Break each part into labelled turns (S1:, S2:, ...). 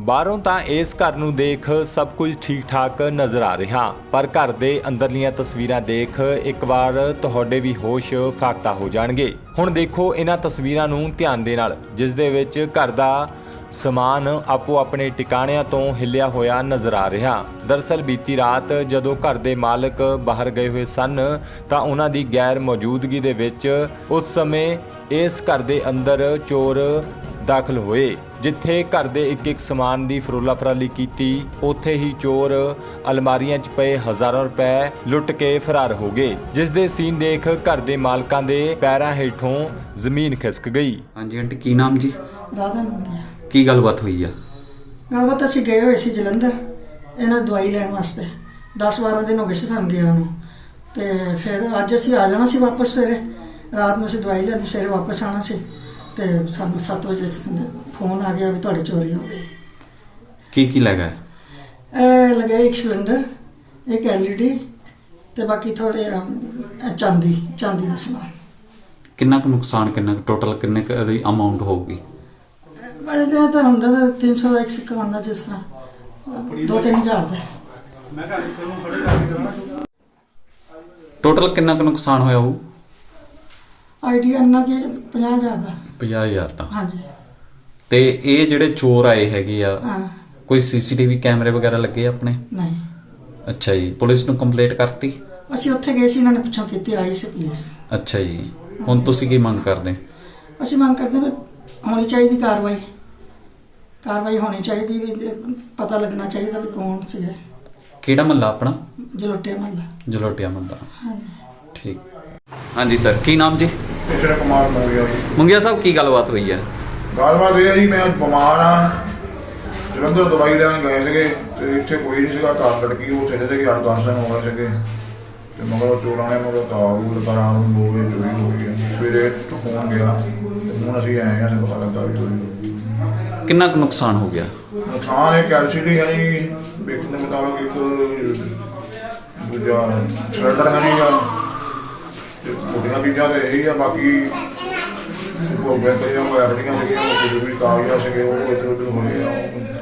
S1: ਬਾਹਰੋਂ ਤਾਂ ਇਸ ਘਰ ਨੂੰ ਦੇਖ ਸਭ ਕੁਝ ਠੀਕ ਠਾਕ ਨਜ਼ਰ ਆ ਰਿਹਾ, ਪਰ ਘਰ ਦੇ ਅੰਦਰਲੀਆਂ ਤਸਵੀਰਾਂ ਦੇਖ ਇੱਕ ਵਾਰ ਤੁਹਾਡੇ ਵੀ ਹੋਸ਼ ਫਾਕਤਾ ਹੋ ਜਾਣਗੇ। ਹੁਣ ਦੇਖੋ ਇਹਨਾਂ ਤਸਵੀਰਾਂ ਨੂੰ ਧਿਆਨ ਦੇ ਨਾਲ, ਜਿਸ ਦੇ ਵਿੱਚ ਘਰ ਦਾ ਸਮਾਨ ਆਪੋ ਆਪਣੇ ਟਿਕਾਣਿਆਂ ਤੋਂ ਹਿੱਲਿਆ ਹੋਇਆ ਨਜ਼ਰ ਆ ਰਿਹਾ। ਦਰਅਸਲ ਬੀਤੀ ਰਾਤ ਜਦੋਂ ਘਰ ਦੇ ਮਾਲਕ ਬਾਹਰ ਗਏ ਹੋਏ ਸਨ ਤਾਂ ਉਹਨਾਂ ਦੀ ਗੈਰ ਮੌਜੂਦਗੀ ਦੇ ਵਿੱਚ ਉਸ ਸਮੇਂ ਇਸ ਘਰ ਦੇ ਅੰਦਰ ਚੋਰ ਦਾਖਲ ਹੋਏ। ਜਿੱਥੇ ਘਰ ਦੇ ਇੱਕ ਸਮਾਨ ਦੀ ਫਰੋਲਾ ਫਰਾਲੀ ਕੀਤੀ, ਉੱਥੇ ਹੀ ਚੋਰ ਅਲਮਾਰੀਆਂ 'ਚ ਪਏ ਹਜ਼ਾਰਾਂ ਰੁਪਏ ਲੁੱਟ ਕੇ ਫਰਾਰ ਹੋ ਗਏ, ਜਿਸ ਦੇ ਸੀਨ ਦੇਖ ਘਰ ਦੇ ਮਾਲਕਾਂ ਦੇ ਪੈਰਾਂ ਹੇਠੋਂ ਜ਼ਮੀਨ ਖਿਸਕ ਗਈ।
S2: ਹਾਂਜੀ ਆਂਟੀ, ਕੀ ਨਾਮ ਜੀ?
S3: ਰਾਧਾ ਮੁੰਡਿਆ।
S2: ਕੀ ਗੱਲਬਾਤ ਹੋਈ ਆ?
S3: ਗੱਲਬਾਤ ਅਸੀਂ ਗਏ ਹੋਏ ਸੀ ਜਲੰਧਰ ਇਹਨਾਂ ਦਵਾਈ ਲੈਣ ਵਾਸਤੇ। 10-12 ਦਿਨ ਹੋ ਗਏ ਸੀ ਸਾਨੂੰ ਗਿਆ ਨੂੰ, ਤੇ ਫਿਰ ਅੱਜ ਅਸੀਂ ਆ ਜਾਣਾ ਸੀ ਵਾਪਸ। ਸਵੇਰੇ ਰਾਤ ਨੂੰ ਅਸੀਂ ਦਵਾਈ ਲੈਂਦੀ, ਸਵੇਰੇ ਵਾਪਸ ਆਉਣਾ ਸੀ, ਤੇ ਸਾਨੂੰ 7 ਵਜੇ ਫੋਨ ਆ ਗਿਆ ਵੀ ਤੁਹਾਡੀ ਚੋਰੀ ਹੋ ਗਈ।
S2: ਕੀ ਲੈ ਗਏ?
S3: ਇਹ ਲੱਗੇ ਇੱਕ ਸਿਲੰਡਰ, ਇੱਕ LED ਤੇ ਬਾਕੀ ਥੋੜੇ ਚਾਂਦੀ ਦਾ ਸਮਾਨ।
S2: ਕਿੰਨਾ ਕੁ ਨੁਕਸਾਨ, ਕਿੰਨਾ ਟੋਟਲ ਕਿੰਨੇ ਕੁ ਦੀ ਅਮਾਉਂਟ ਹੋਊਗੀ?
S3: ਇਹ ਤਾਂ ਹੁੰਦਾ 300 ਦਾ ਇੱਕ ਸਿੱਕਾ ਹੁੰਦਾ, ਜਿਸ ਤਰ੍ਹਾਂ 2-3 ਹਜ਼ਾਰ ਦਾ।
S2: ਟੋਟਲ ਕਿੰਨਾ ਕੁ ਨੁਕਸਾਨ ਹੋਇਆ ਹੋਊ?
S3: ਆਈਡੀਆ ਇੰਨਾ ਕਿ 50,000 ਦਾ।
S2: 50,000 ਤਾਂ।
S3: ਹਾਂਜੀ।
S2: ਤੇ ਇਹ ਜਿਹੜੇ ਚੋਰ ਆਏ ਹੈਗੇ ਆ,
S3: ਹਾਂ।
S2: ਕੋਈ CCTV ਕੈਮਰੇ ਵਗੈਰਾ ਲੱਗੇ ਆ ਆਪਣੇ?
S3: ਨਹੀਂ।
S2: ਅੱਛਾ ਜੀ, ਪੁਲਿਸ ਨੂੰ ਕੰਪਲੇਂਟ ਕਰਤੀ?
S3: ਅਸੀਂ ਉੱਥੇ ਗਏ ਸੀ, ਇਹਨਾਂ ਨੇ ਪਿੱਛੋਂ ਕੀਤੀ, ਆਈ ਸੀ ਪੁਲਿਸ।
S2: ਅੱਛਾ ਜੀ, ਹੁਣ ਤੁਸੀਂ ਕੀ ਮੰਗ ਕਰਦੇ?
S3: ਅਸੀਂ ਮੰਗ ਕਰਦੇ ਵੀ ਹੋਣੀ ਚਾਹੀਦੀ ਕਾਰਵਾਈ ਹੋਣੀ ਚਾਹੀਦੀ, ਵੀ ਪਤਾ ਲੱਗਣਾ ਚਾਹੀਦਾ ਵੀ ਕੌਣ ਸੀਗਾ।
S2: ਕਿਹੜਾ ਮਹੱਲਾ ਆਪਣਾ?
S3: ਜਲੋਟਿਆ ਮਹੱਲਾ।
S2: ਜਲੋਟਿਆ ਮਹੱਲਾ।
S3: ਹਾਂਜੀ।
S2: ਠੀਕ। ਹਾਂਜੀ ਸਰ, ਕੀ ਨਾਮ ਜੀ?
S4: ਈਸ਼ਰ ਕੁਮਾਰ ਮੰਗਿਆ ਜੀ।
S2: ਮੁੰਗਿਆ ਸਾਹਿਬ, ਕੀ ਗੱਲਬਾਤ ਹੋਈ ਹੈ?
S4: ਗੱਲਬਾਤ ਇਹ ਹੈ ਜੀ, ਮੈਂ ਬਿਮਾਰ ਆ, ਜਲੰਧਰ ਦਵਾਈ ਲੈਣ ਗਏ ਸੀਗੇ ਤੇ ਇੱਥੇ ਕੋਈ ਨਹੀਂ ਸੀਗਾ। ਘਰ ਲੜਕੀ ਉਹ ਚਲੇ ਗਏ, 8-10 ਦਿਨ ਹੋ ਗਏ ਸੀਗੇ, ਤੇ ਮਗਰ ਚੋਰਾਂ ਨੇ ਮਗਰ ਤਾਬੂਤ ਰਾਤ ਨੂੰ 2 ਵਜੇ ਚੋਰੀ ਹੋ ਗਈ ਹੈ। ਸਵੇਰੇ ਫੋਨ ਗਿਆ ਤੇ ਹੁਣ ਅਸੀਂ ਆਏ ਹਾਂ, ਸਾਨੂੰ ਪਤਾ ਲੱਗਾ ਵੀ ਚੋਰੀ ਹੋ ਗਈ।
S2: ਕਿੰਨਾ ਕੁ ਨੁਕਸਾਨ ਹੋ ਗਿਆ?
S4: ਨੁਕਸਾਨ ਇੱਕ LCD ਹੈ ਜੀ, ਵੇਖਣ ਦੇ ਮੁਤਾਬਕ ਇੱਕ ਦੂਜਾ ਸਿਲੰਡਰ ਹੈ ਜੀ, ਤੇ ਛੋਟੀਆਂ ਚੀਜ਼ਾਂ ਤੇ ਇਹੀ ਆ। ਬਾਕੀ ਉਹ ਬੈਂਕਾਂ ਵਾਇਰੜੀਆਂ ਸੀਗੀਆਂ, ਉਹ ਜ਼ਰੂਰੀ ਕਾਗਜ਼ਾਤ ਸੀਗੇ, ਉਹ ਇੱਧਰ ਉੱਧਰ ਹੋਏ ਆ।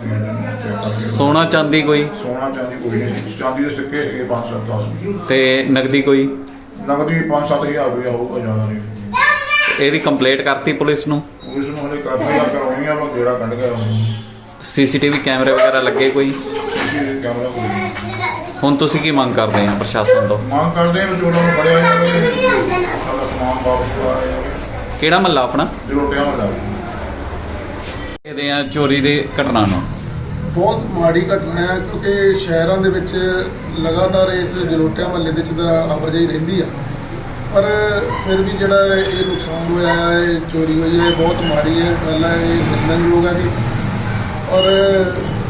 S2: ਸੋਨਾ ਚਾਂਦੀ ਕੋਈ?
S4: ਸੋਨਾ ਚਾਂਦੀ ਕੋਈ ਨਹੀਂ ਸੀ। ਚਾਂਦੀ ਦੇ ਸਿੱਕੇ ਸੀਗੇ 5-7
S2: ਤੇ ਨਗਦੀ ਕੋਈ?
S4: ਨਗਦੀ 5-7 ਹਜ਼ਾਰ ਰੁਪਇਆ ਹੋਊਗਾ, ਜ਼ਿਆਦਾ ਨਹੀਂ।
S2: ਇਹਦੀ ਕੰਪਲੇਂਟ ਕਰਤੀ ਪੁਲਿਸ ਨੂੰ?
S4: ਪੁਲਿਸ ਨੂੰ ਹਲੇ ਕਰਨੀ ਆ, ਕਰਾਉਣੀ ਆ, ਉਹ ਗੇੜਾ ਕੱਢ ਗਿਆ।
S2: CCTV ਕੈਮਰੇ ਵਗੈਰਾ ਲੱਗੇ ਕੋਈ?
S4: ਕੈਮਰਾ ਕੋਈ ਨਹੀਂ।
S2: ਹੁਣ ਤੁਸੀਂ ਕੀ ਮੰਗ ਕਰਦੇ ਆ ਪ੍ਰਸ਼ਾਸਨ ਤੋਂ?
S4: ਮੰਗ ਕਰਦੇ ਆ ਚੋਰਾਂ ਨੂੰ ਫੜਿਆ ਜਾਵੇ, ਸਾਡਾ ਸਮਾਨ ਵਾਪਸ ਕਰਵਾਇਆ ਜਾਵੇ।
S2: ਕਿਹੜਾ ਮਹੱਲਾ ਆਪਣਾ?
S4: ਜਲੋਟਿਆ ਮਹੱਲਾ।
S2: ਇਹਦੇ ਆ ਚੋਰੀ ਦੇ ਘਟਨਾ ਨੂੰ
S5: ਬਹੁਤ ਮਾੜੀ ਘਟਨਾ ਹੈ, ਕਿਉਂਕਿ ਸ਼ਹਿਰਾਂ ਦੇ ਵਿੱਚ ਲਗਾਤਾਰ ਇਸ ਜਲੋਟਿਆ ਮਹੱਲੇ ਦੇ ਵਿੱਚ ਦਾ ਆਵਾਜਾਈ ਰਹਿੰਦੀ ਆ, ਪਰ ਫਿਰ ਵੀ ਜਿਹੜਾ ਇਹ ਨੁਕਸਾਨ ਹੋਇਆ ਹੈ, ਇਹ ਚੋਰੀ ਹੋਈ ਹੈ, ਬਹੁਤ ਮਾੜੀ ਹੈ ਗੱਲ ਹੈ, ਇਹ ਨਿੰਦਣਯੋਗ ਹੈ ਜੀ। ਔਰ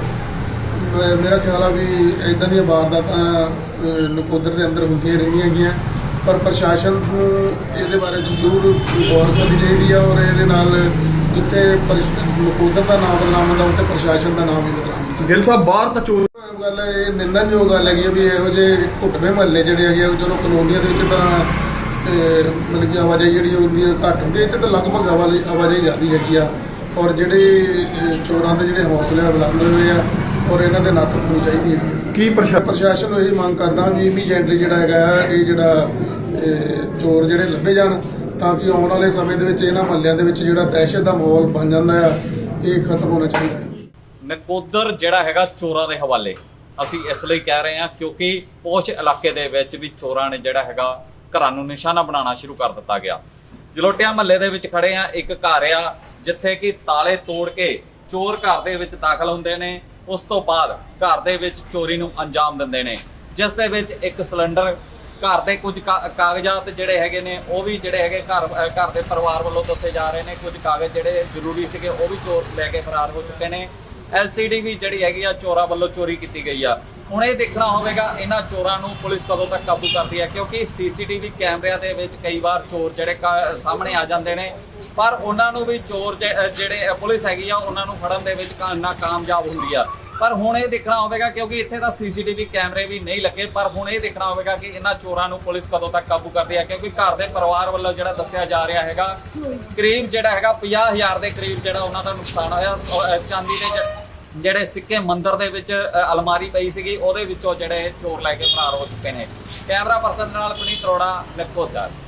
S5: ਮੇਰਾ ਖਿਆਲ ਆ ਵੀ ਇੱਦਾਂ ਦੀਆਂ ਵਾਰਦਾਤਾਂ ਨਕੋਦਰ ਦੇ ਅੰਦਰ ਹੁੰਦੀਆਂ ਰਹਿੰਦੀਆਂ ਹੈਗੀਆਂ, ਪਰ ਪ੍ਰਸ਼ਾਸਨ ਨੂੰ ਇਹਦੇ ਬਾਰੇ ਜ਼ਰੂਰ ਗੌਰ ਕਰਨੀ ਚਾਹੀਦੀ ਆ। ਔਰ ਇਹਦੇ ਨਾਲ ਜਿੱਥੇ ਨਕੋਦਰ ਦਾ ਨਾਮ ਬਦਨਾਮ ਹੁੰਦਾ, ਉੱਥੇ ਪ੍ਰਸ਼ਾਸਨ ਦਾ ਨਾਮ ਵੀ ਬਦਨਾਮ ਹੁੰਦਾ।
S6: ਗਿੱਲ ਸਾਹਿਬ, ਬਾਹਰ ਤਾਂ ਚੋਰ
S5: ਗੱਲ ਹੈ, ਇਹ ਨਿੰਦਣਯੋਗ ਗੱਲ ਹੈਗੀ ਵੀ ਇਹੋ ਜਿਹੇ ਘੁੱਟਵੇਂ ਮਹੱਲੇ ਜਿਹੜੇ ਹੈਗੇ, ਚਲੋ ਕਲੋਨੀਆਂ ਦੇ ਵਿੱਚ ਤਾਂ ਮਤਲਬ ਕਿ ਆਵਾਜਾਈ ਜਿਹੜੀ ਹੁੰਦੀ ਹੈ ਘੱਟ ਹੁੰਦੀ ਹੈ, ਇੱਥੇ ਤਾਂ ਲਗਭਗ ਆਵਾਜਾਈ ਜ਼ਿਆਦਾ ਹੈਗੀ ਆ। ਔਰ ਜਿਹੜੇ ਚੋਰਾਂ ਦੇ ਜਿਹੜੇ ਹੌਸਲੇ ਬੁਲੰਦ ਹੋਏ ਆ, ਔਰ ਇਹਨਾਂ ਦੇ ਨੱਥ ਪਾਉਣੀ ਚਾਹੀਦੀ ਹੈ।
S6: ਕੀ
S5: ਪ੍ਰਸ਼ਾਸਨ ਨੂੰ ਇਹ ਮੰਗ ਕਰਦਾ ਵੀ ਇਮੀਡੀਏਟਲੀ ਜਿਹੜਾ ਹੈਗਾ, ਇਹ ਜਿਹੜਾ ਚੋਰ ਜਿਹੜੇ ਲੱਭੇ ਜਾਣ, ਤਾਂ ਕਿ ਆਉਣ ਵਾਲੇ ਸਮੇਂ ਦੇ ਵਿੱਚ ਇਹਨਾਂ ਮਹੱਲਿਆਂ ਦੇ ਵਿੱਚ ਜਿਹੜਾ ਦਹਿਸ਼ਤ ਦਾ ਮਾਹੌਲ ਬਣ ਜਾਂਦਾ ਆ, ਇਹ ਖਤਮ ਹੋਣਾ ਚਾਹੀਦਾ ਹੈ।
S7: ਨਕੋਦਰ ਜਿਹੜਾ ਹੈਗਾ ਚੋਰਾਂ ਦੇ ਹਵਾਲੇ ਅਸੀਂ ਇਸ ਲਈ ਕਹਿ ਰਹੇ ਹਾਂ ਕਿਉਂਕਿ ਪੋਸ਼ ਇਲਾਕੇ ਦੇ ਵਿੱਚ ਵੀ ਚੋਰਾਂ ਨੇ ਜਿਹੜਾ ਹੈਗਾ ਘਰਾਂ ਨੂੰ ਨਿਸ਼ਾਨਾ ਬਣਾਉਣਾ ਸ਼ੁਰੂ ਕਰ ਦਿੱਤਾ ਗਿਆ। ਜਲੋਟਿਆ ਮਹੱਲੇ ਦੇ ਵਿੱਚ ਖੜੇ ਆ, ਇੱਕ ਘਰ ਆ ਜਿੱਥੇ ਕਿ ਤਾਲੇ ਤੋੜ ਕੇ ਚੋਰ ਘਰ ਦੇ ਵਿੱਚ ਦਾਖਲ ਹੁੰਦੇ ਨੇ, ਉਸ ਤੋਂ ਬਾਅਦ ਘਰ ਦੇ ਵਿੱਚ ਚੋਰੀ ਨੂੰ ਅੰਜਾਮ ਦਿੰਦੇ ਨੇ, ਜਿਸ ਦੇ ਵਿੱਚ ਇੱਕ ਸਿਲੰਡਰ, ਘਰ ਦੇ ਕੁਝ ਕਾਗਜ਼ਾਤ ਜਿਹੜੇ ਹੈਗੇ ਨੇ, ਉਹ ਵੀ ਜਿਹੜੇ ਹੈਗੇ ਘਰ ਦੇ ਪਰਿਵਾਰ ਵੱਲੋਂ ਦੱਸੇ ਜਾ ਰਹੇ ਨੇ, ਕੁਝ ਕਾਗਜ਼ ਜਿਹੜੇ ਜ਼ਰੂਰੀ ਸੀਗੇ ਉਹ ਵੀ ਚੋਰ ਲੈ ਕੇ ਫਰਾਰ ਹੋ ਚੁੱਕੇ ਨੇ। LCD ਵੀ ਜਿਹੜੀ ਹੈਗੀ ਆ ਚੋਰਾਂ ਵੱਲੋਂ ਚੋਰੀ ਕੀਤੀ ਗਈ ਆ। ਹੁਣ ਇਹ ਦੇਖਣਾ ਹੋਵੇਗਾ ਇਹਨਾਂ ਚੋਰਾਂ ਨੂੰ ਪੁਲਿਸ ਕਦੋਂ ਤੱਕ ਕਾਬੂ ਕਰਦੀ ਹੈ, ਕਿਉਂਕਿ CCTV ਕੈਮਰਿਆਂ ਦੇ ਵਿੱਚ ਕਈ ਵਾਰ ਚੋਰ ਜਿਹੜੇ ਸਾਹਮਣੇ ਆ ਜਾਂਦੇ ਨੇ, ਪਰ ਉਹਨਾਂ ਨੂੰ ਵੀ ਚੋਰ ਜਿਹੜੇ ਪੁਲਿਸ ਹੈਗੀ ਆ ਉਹਨਾਂ ਨੂੰ ਫੜਨ ਦੇ ਵਿੱਚ ਨਾਕਾਮਯਾਬ ਹੁੰਦੀ ਆ। ਪਰ ਹੁਣ ਇਹ ਦੇਖਣਾ ਹੋਵੇਗਾ, ਕਿਉਂਕਿ ਇੱਥੇ ਤਾਂ CCTV ਕੈਮਰੇ ਵੀ ਨਹੀਂ ਲੱਗੇ, ਪਰ ਹੁਣ ਇਹ ਦੇਖਣਾ ਹੋਵੇਗਾ ਕਿ ਇਹਨਾਂ ਚੋਰਾਂ ਨੂੰ ਪੁਲਿਸ ਕਦੋਂ ਤੱਕ ਕਾਬੂ ਕਰਦੀ ਹੈ, ਕਿਉਂਕਿ ਘਰ ਦੇ ਪਰਿਵਾਰ ਵੱਲੋਂ ਜਿਹੜਾ ਦੱਸਿਆ ਜਾ ਰਿਹਾ ਹੈਗਾ ਕਰੀਬ ਜਿਹੜਾ ਹੈਗਾ 50,000 ਦੇ ਕਰੀਬ ਜਿਹੜਾ ਉਹਨਾਂ ਦਾ ਨੁਕਸਾਨ ਹੋਇਆ। ਚਾਂਦੀ ਦੇ ਜਿਹੜੇ ਸਿੱਕੇ ਮੰਦਿਰ ਦੇ ਵਿੱਚ ਅਲਮਾਰੀ ਪਈ ਸੀਗੀ ਉਹਦੇ ਵਿੱਚੋਂ ਜਿਹੜੇ ਚੋਰ ਲੈ ਕੇ ਫਰਾਰ ਹੋ ਚੁੱਕੇ ਨੇ। ਕੈਮਰਾ ਪਰਸਨ ਨਾਲ ਪੁਨੀਤ ਅਰੋੜਾ, ਨਿਪੋਦਰ।